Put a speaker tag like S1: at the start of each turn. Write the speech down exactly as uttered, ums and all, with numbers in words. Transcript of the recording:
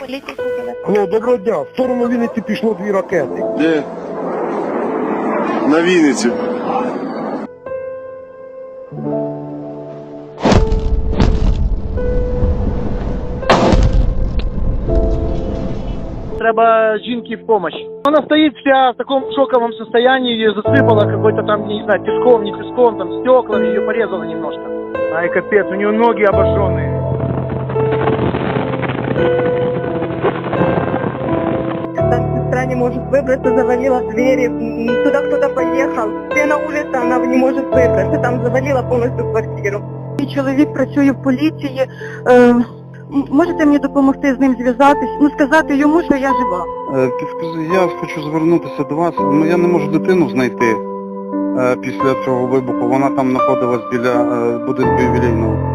S1: поліції слухали.
S2: Алло, доброго дня. В сторону Вінниці пішло дві ракети.
S3: Де? На Вінниці.
S4: Треба жінки помощь. Она стоит вся в таком шоковом состоянии, ее засыпало какой-то там, не знаю, песком, не песком, там стеклами, ее порезало немножко. Ай, капец, у нее ноги обожженные.
S1: Там сестра не может выбраться, завалила двери, м, туда кто-то поехал. Все на улице, она не может выбраться, там завалила полностью квартиру. Мій чоловік працює в поліції. Е, м- можете мені допомогти з ним зв'язатись? Ну, сказати йому, що я жива.
S5: Е, Підскажи, я хочу звернутися до вас. Ну, я не можу дитину знайти е, після цього вибуху. Вона там знаходилась біля е, будинку ювілейного.